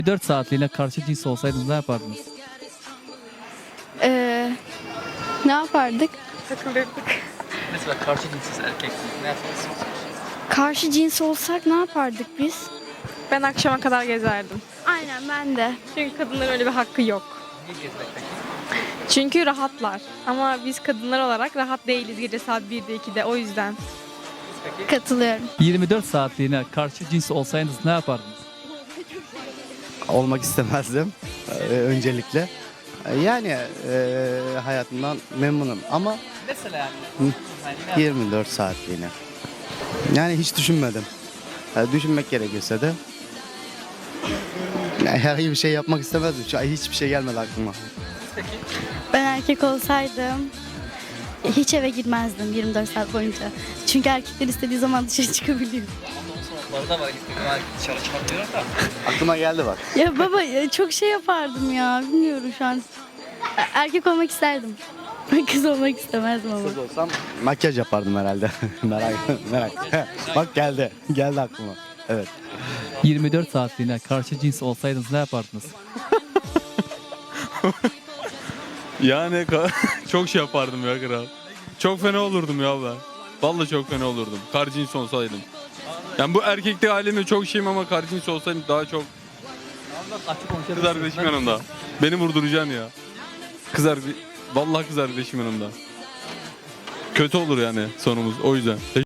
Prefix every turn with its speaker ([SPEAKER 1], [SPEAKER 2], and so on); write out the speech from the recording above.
[SPEAKER 1] 4 saatliğine karşı cins olsaydınız ne yapardınız?
[SPEAKER 2] Ne yapardık?
[SPEAKER 1] Mesela karşı cinsiz erkeksiniz. Ne yaparsınız?
[SPEAKER 2] Karşı cins olsak ne yapardık biz?
[SPEAKER 3] Ben akşama kadar gezerdim.
[SPEAKER 2] Aynen ben de.
[SPEAKER 3] Çünkü kadınların öyle bir hakkı yok.
[SPEAKER 1] Niye gezmek peki?
[SPEAKER 3] Çünkü rahatlar. Ama biz kadınlar olarak rahat değiliz gece saat 1'de 2'de o yüzden.
[SPEAKER 2] Katılıyorum.
[SPEAKER 1] 24 saatliğine karşı cins olsaydınız ne yapardınız?
[SPEAKER 4] Olmak istemezdim öncelikle. Yani hayatımdan memnunum ama
[SPEAKER 1] Mesela yani.
[SPEAKER 4] 24 saatliğine. Yani hiç düşünmedim. Düşünmek gerekirse de yani herhangi bir şey yapmak istemezdim. Şu an hiçbir şey gelmedi aklıma.
[SPEAKER 2] Ben erkek olsaydım hiç eve girmezdim 24 saat boyunca. Çünkü erkekler istediği zaman dışarı çıkabiliyor.
[SPEAKER 1] Sonunda var istediğim dışarı çıkabiliyorum da.
[SPEAKER 4] Aklıma geldi bak.
[SPEAKER 2] Ya baba çok şey yapardım ya. Bilmiyorum şu an. Erkek olmak isterdim. Kız olmak istemezdim ama.
[SPEAKER 4] Kız olsam makyaj yapardım herhalde. merak. Bak geldi. Geldi aklıma. Evet.
[SPEAKER 1] 24 saatliğine karşı cins olsaydınız ne yapardınız?
[SPEAKER 5] Yani çok şey yapardım ya kral. Çok fena olurdum ya ben. Vallahi çok fena olurdum. Karcins olsaydım. Yani bu erkeklik halimde çok şeyim ama karcins olsaydım daha çok kız arkadaşım yanımda. Beni vurduracaksın ya. Vallahi kız arkadaşım yanımda. Kötü olur yani sonumuz o yüzden.